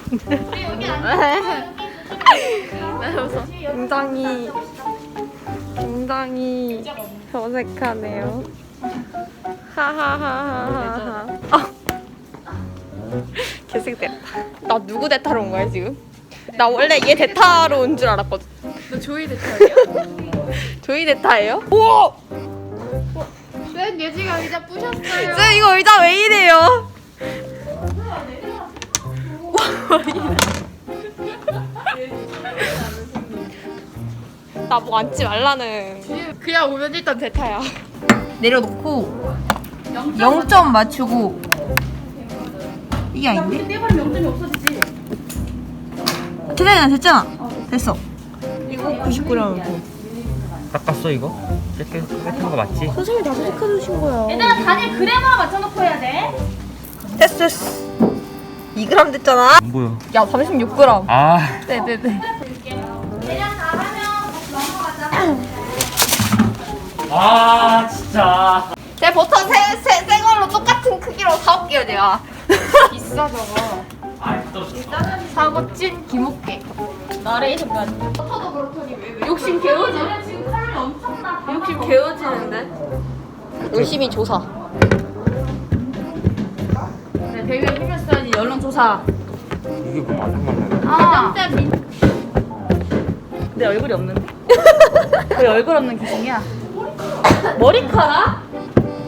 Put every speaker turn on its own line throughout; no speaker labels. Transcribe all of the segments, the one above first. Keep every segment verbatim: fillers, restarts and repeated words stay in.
굉장히 굉장히 어색하네요. 하하하하하. 아. 개색됐다. 나 누구 대타로 온 거야 지금? 나 원래 얘 대타로 온 줄 알았거든.
너 조이 대타예요?
조이 대타예요? 우와!
쌤 예지가 의자 부셨어요.
쌤 이거 의자 왜 이래요? 나 뭐 앉지 말라는.
그냥 오면 일단 대타야.
내려놓고 영 점 맞추고 이게 아닌데?
떼버리면 영 점이 없어지지.
됐잖아 됐잖아 됐어. 이거 구십구 점.
깎았어 이거? 이렇게 깎은 거 맞지?
선생님이 다 선택해주신 거야.
얘들아 다들 그램으로 맞춰놓고 해야 돼.
됐어 됐어. 이 그램 됐잖아.
안 보여.
야 삼십육 그램.
아
네네네.
대략 다 하면 넘어가자.
아 진짜.
제 버터 새, 새, 새 걸로 똑같은 크기로 사올게요 제가.
비싸 저거.
아 떨어졌어.
사고 찐 기목게. 나레이션까지.
버터도 그렇더니 왜, 왜 욕심 개워지?
지금 칼이 엄청나.
욕심 개워지는데? 열심히 조사.
네, 대위에 힘을 써야지 여론조사.
이게 뭐 말랑말랑.
아. 때 민. 내 얼굴이 없는데? 왜 얼굴 없는 기승이야? 머리카락?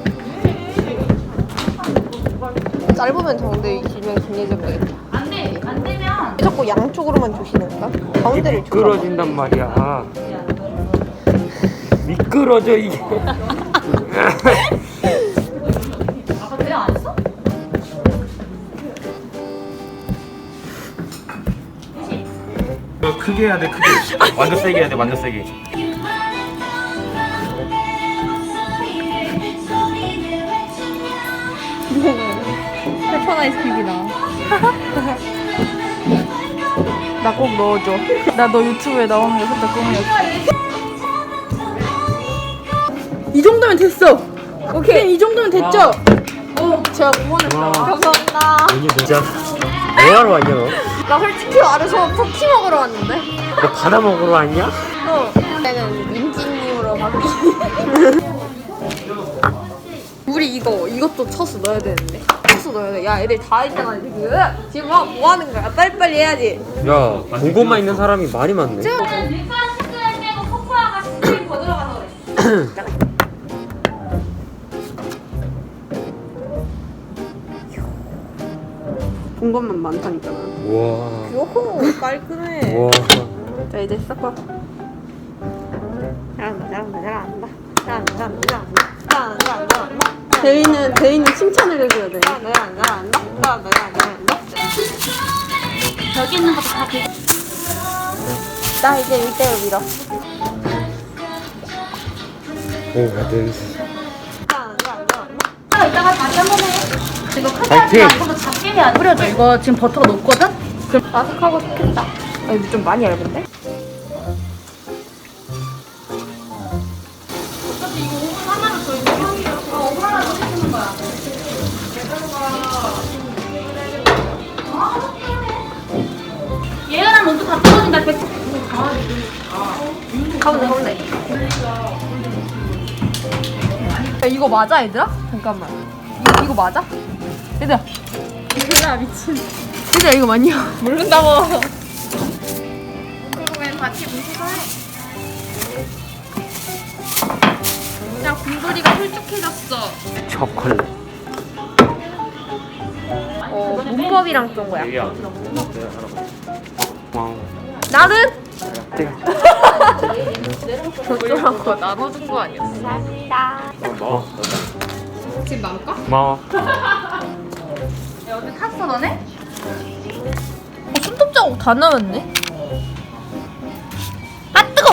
짧으면 정대 길면 길해질 거겠다.
안 돼. 안 되면.
왜 자꾸 양쪽으로만 조시는가? 가운데를 조사.
미끄러진단 말이야. 미끄러져 이게.
아까 대화 안 했어?
너 크게 해야 돼 크게. 완전 세게 해야 돼 완전 세게.
페퍼 아이스크림이다. 나 꼭 넣어줘. 나 너 유튜브에 나오는 거 살짝 꿈이었어. 이 정도면 됐어. 오케이. 이 정도면 됐죠? 어, 제가 구원했다. 감사합니다.
아니 진짜. 뭐하러 왔냐 너?
나 솔직히 말해서 쿠키 먹으러 왔는데.
너 바다 먹으러 왔냐?
어. 내는 민지님으로 바뀌. 우리 이거 이것도 쳐서 넣어야 되는데. 쳐서 넣어야 돼. 야, 애들 다 있잖아 지금. 지금 뭐, 뭐 하는 거야? 빨리빨리 해야지.
야 보고만 있는 사람이 많이 많네.
밀가루 스크램 빼고 코코아가 스크램 더 들어가서 그래.
본 것만 많다니까.
우와.
요호 깔끔해.
우와.
자 이제 섞어. 잘한다 잘한다 잘한다 잘한다 잘한다 잘한다 잘한다 잘한다. 대인은 대인은 칭찬을 해줘야 돼. 잘한다 잘한다 잘한다 잘한다 잘한다.
여기 있는 것도 다 그.
나 이제 일대로 밀어.
오 냄새.
잘한다 잘한다 잘한다.
아, 이따가 다시 한 번 해. 이거 크게
파이팅!
하지 말고 작게 해야 돼. 뿌려줘. 이거 지금 버터가 녹거든? 그럼
바삭하고 좋겠다. 아 이거 좀 많이 얇은데?
어차피 이거 오븐 하나를 더 있는 형이야. 아, 오븐 하나 더 해주는 거야. 얘랑 먼저 다 떨어진다. 백.
가운데 가운데. 야 이거 맞아 얘들아? 잠깐만. 이거, 이거 맞아? 얘들아.
야 미친.
얘들아 이거 맞냐? 모른다고.
그러면 같이 무시해. 야 곰돌이가 홀쭉해졌어.
초콜릿.
어 문법이랑 좀 거야.
여기야. 와우.
나는
내가.
저쪽하고 나눠준 거 아니었어? 감사합니다.
뭐?
지금 나올까?
고마워.
야 어디 탔어 너네?
어, 손톱 자국 다 남았네. 아 뜨거.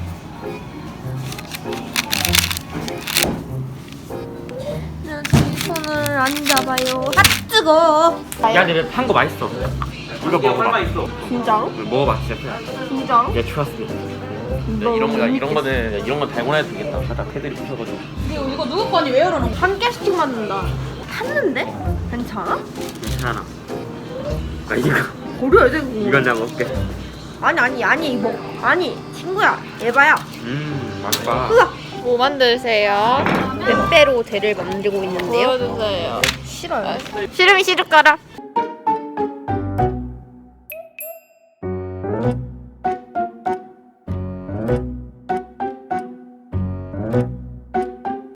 내 손을 안 잡아요. 아 뜨거.
야, 근데 판 거 맛있어. 이거 먹어봐.
진짜로?
먹어봐, 진짜 그냥.
진짜로?
얘 추웠습니다. 이런 거, 이런 거는 이런 건 달고나도 되겠다. 살짝 패들이 부셔가지고.
이거 이거 누구 거니 왜 열어놓은 거야?
한 개씩 맞는다. 탔는데? 괜찮아?
괜찮아. 아 이거
버려야 돼 그거.
이건 내가 먹을게.
아니 아니 아니 뭐 아니 친구야 에바야.
음 맛봐.
뭐 만드세요?
빼빼로 대를 만들고 있는데요.
보여주세요.
싫어요.
싫으면 싫을까라.